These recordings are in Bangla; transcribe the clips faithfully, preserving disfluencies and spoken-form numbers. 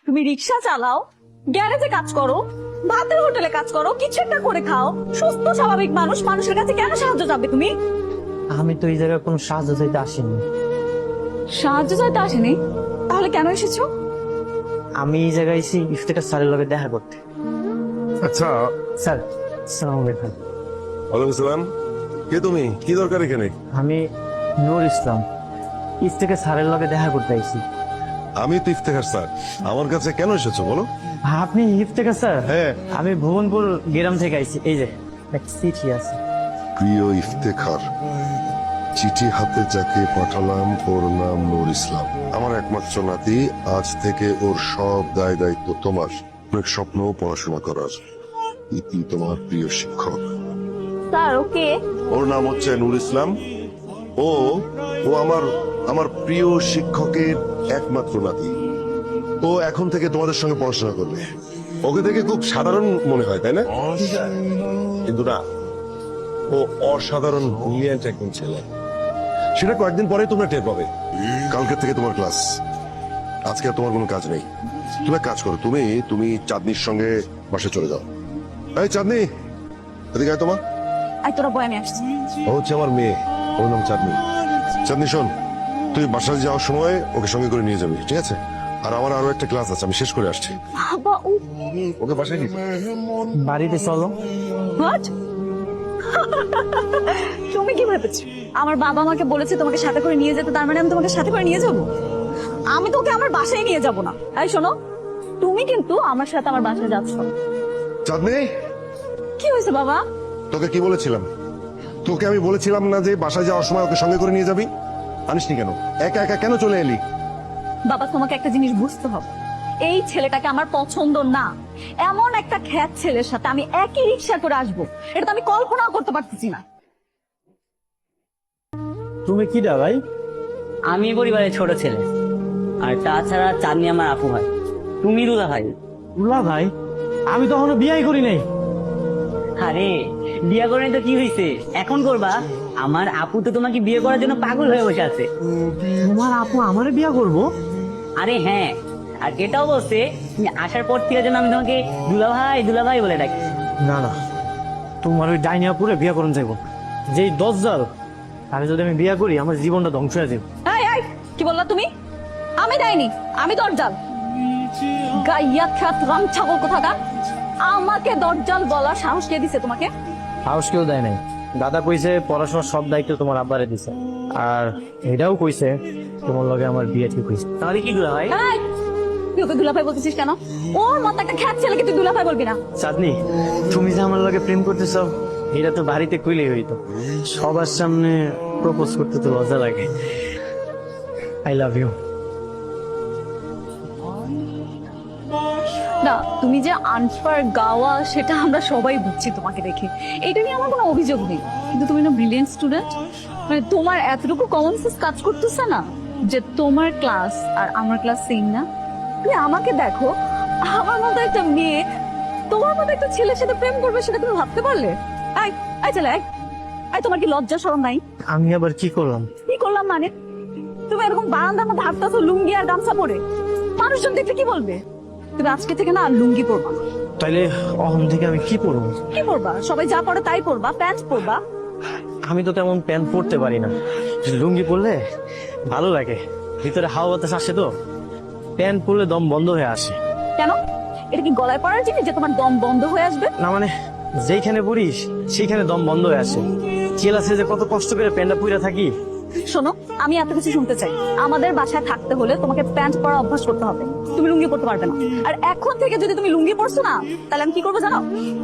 তুমি রিক্সা চালাও, গ্যারেজে কাজ করো, ভাতের হোটেলে কাজ করো, কিছু একটা করে খাও, সুস্থ স্বাভাবিক মানুষ, মানুষের কাছে কেন সাহায্য চাবে তুমি? আমি তো এই জায়গায় কোনো সাহায্য চাইতে আসিনি। সাহায্য চাইতে আসেনি? তাহলে কেন এসেছো? আমি এই জায়গায় এসেছি ইফতেখার স্যারের লগে দেখা করতে। আচ্ছা, স্যার আসসালামু আলাইকুম। ওয়ালাইকুম আসসালাম। কে তুমি? কি দরকার এখানে? আমি নূর ইসলাম, ইফতেখার স্যারের লগে দেখা করতে আইছি। আমি তো ইফতেখার স্যার। আমার কাছে কেন এসেছো বলো? আপনি ইফতেখার স্যার? হ্যাঁ। আমি ভুবনপুর গ্রাম থেকে আইছি। এই যে একটা চিঠি আছে। প্রিয় ইফতেখার, চিঠি হাতে যাকে পাঠালাম ওর নাম নূর ইসলাম। আমার একমাত্র নাতি, আজ থেকে ওর সব দায় দায়িত্ব তোমার। অনেক স্বপ্ন পড়াশোনা করার। ইতি তোমার প্রিয় শিক্ষক। Sir okay. ওর নাম হচ্ছে নূর ইসলাম। ও ও আমার আমার প্রিয় শিক্ষকের একমাত্র নাতি। ও এখন থেকে তোমাদের সঙ্গে পড়াশোনা করবে। ওকে দেখে খুব সাধারণ মনে হয়, তাই না? কিন্তু না, ও অসাধারণ ব্রিলিয়ান্ট একজন ছেলে। সেটা কয়েকদিন পরে তোমরা টের পাবে। কালকে থেকে তোমার ক্লাস, আজকে আর তোমার কোনো কাজ নেই। তুমি এক কাজ করো, তুমি তুমি চাঁদনির সঙ্গে বাসে চলে যাও। এই চাঁদনি, এদিকে আয় তোমার। আই তোরা বয়, আমি আসছি। ও হচ্ছে আমার মেয়ে, ওর নাম চাঁদনি। চাঁদনি শোন, তুই বাসায় যাওয়ার সময় ওকে সঙ্গে করে নিয়ে যাবি, ঠিক আছে? আর আমার আরো একটা ক্লাস আছে, আমি শেষ করে আসছি। বাবা ও ওকে বাসায় নিয়ে বাড়িতে চলো। হোয়াট? তুমি কি ভেবেছো আমার বাবা আমাকে বলেছে তোমাকে সাথে করে নিয়ে যেতে, তার মানে আমি তোমাকে সাথে করে নিয়ে যাব? আমি তোকে আমার বাসায় নিয়ে যাব না। এই শোনো, তুমি কিন্তু আমার সাথে আমার বাসায় যাচ্ছ। চাঁদনি, কি হয়েছে বাবা? তোকে কি বলেছিলাম? তোকে আমি বলেছিলাম না যে বাসায় যাওয়ার সময় ওকে সঙ্গে করে নিয়ে যাবি? আনিসনি কেন? একা একা কেন চলে এলি? বাবা তোমাকে একটা জিনিস বুঝতে হবে, এই ছেলেটাকে আমার পছন্দ না। এমন একটা খ্যাত ছেলের সাথে আমি একই রিক্সা করে আসবো, এটা তো আমি কল্পনাও করতে পারতেছি না। তুমি কি দা ভাই? আমি পরিবারের ছোট ছেলে, আর তাছাড়া চাঁদনি আমার আপু ভাই। তুমি দুলা ভাই। উল্লা ভাই, আমি তো এখনো বিয়াই করি নাই। আরে বিয়ে করে তো কি হয়েছে, এখন করবা? আমার আপু তো তোমাকে বিয়ে করার জন্য পাগল হয়ে বসে আছে। তোমার আপু আমারে বিয়া করবো? আরে হ্যাঁ, আর এটাও বলছে তুমি আসার পর থেকে যেন আমি তোমাকে দুলা ভাই দুলা ভাই বলে ডাকি। না না, তোমার ওই ডাইনিয়া পুরে বিয়া করুন যাইব। যেই দজ্জাল, তারে যদি আমি বিয়া করি আমার জীবনটা ধ্বংস হয়ে যাবে। এই এই কি বললা তুমি? আমি দেয়নি, আমি দরজাল। গাইয়া খ্যাত রাম ছাগল কোথাকার, আমাকে দরজাল বলার সাহস কে দিছে তোমাকে? সাহস কেউ দেয় নাই। দাদা কইছে পড়াশোনার সব দায়িত্ব তোমার আব্বারে দিছে, আর এটাও কইছে তোমার লগে আমার বিয়ে ঠিক হইছে। তাহলে কি দুলা ভাই? এই, তুই ওকে দুলাভাই বলতেছিস কেন? ওর মতো একটা খ্যাত ছেলেকে তুই দুলাভাই বলবি না। চাঁদনি, তুমি যে আমার লগে প্রেম করতেছ এটা তো বাড়িতে কইলেই হইতো, সবার সামনে প্রপোজ করতে তো লজ্জা লাগে। I love you. না, তুমি যে আনপার গাওয়া সেটা আমরা সবাই বুঝছি তোমাকে দেখে, এটা নিয়ে আমার কোনো অভিযোগ নেই। কিন্তু তুমি না ব্রিলিয়েন্ট স্টুডেন্ট, মানে তোমার এতটুকু কমন সেন্স কাজ করতেছে না যে তোমার ক্লাস আর আমার ক্লাস সেম না? তুমি আমাকে দেখো, আমার মতো একটা মেয়ে তোমার মতো একটা ছেলের সাথে প্রেম করবে, সেটা তুমি ভাবতে পারলে? আই আই চলে আই আই, তোমার কি লজ্জা শরম নাই? আমি আবার কি করলাম? কি করলাম মানে? তুমি এরকম বারান্দার মধ্যে হাঁটতেছো লুঙ্গি আর গামছা পরে, মানুষজন দেখলে কি বলবে? তুমি আজকে থেকে না আর লুঙ্গি পরবা না। তাইলে অহন থেকে আমি কি পরবো? কি পরবা? সবাই যা পরে তাই পরবা, প্যান্ট পরবা। আমি তো তেমন প্যান্ট পরতে পারি না, লুঙ্গি পরলে ভালো লাগে, ভিতরে হাওয়া বাতাস আসে তো। প্যান্ট পরলে দম বন্ধ হয়ে আসে। কেন? এটা কি গলায় পরার জিনিস যে তোমার দম বন্ধ হয়ে আসবে? না মানে যেখানে পড়িস সেইখানে দম বন্ধ হয়ে আসে। চেলাসে যে কত কষ্ট করে প্যান্টটা পুইরা থাকি। শোনো, আমি এত কিছু শুনতে চাই। আমাদের বাসায় থাকতে হলে তোমাকে প্যান্ট পরা অভ্যাস করতে হবে, তুমি লুঙ্গি পরতে পারবে না। আর এখন থেকে যদি তুমি লুঙ্গি পরছো না, তাহলে আমি কি করবো জানো?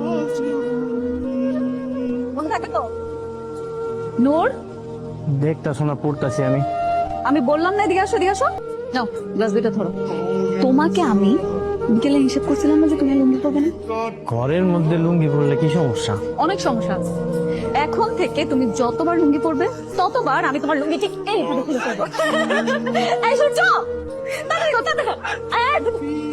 মনে থাকে তো? নূর, দেখতা শোনা পড়তাছি আমি। আমি বললাম না এদিকে আসো, এদিকে আসো। নাও গ্লাস দুইটা ধরো। তোমাকে আমি বিকেলে নিষেধ করছিলাম না যে তুমি লুঙ্গি পরবে না? ঘরের মধ্যে লুঙ্গি পরলে কি সমস্যা? অনেক সমস্যা আছে। এখন থেকে তুমি যতবার লুঙ্গি পরবে ততবার আমি তোমার লুঙ্গি ঠিক এইভাবে খুলে ফেলবো। এই সূর্য, তাড়াতাড়ি করো, তাড়াতাড়ি করো।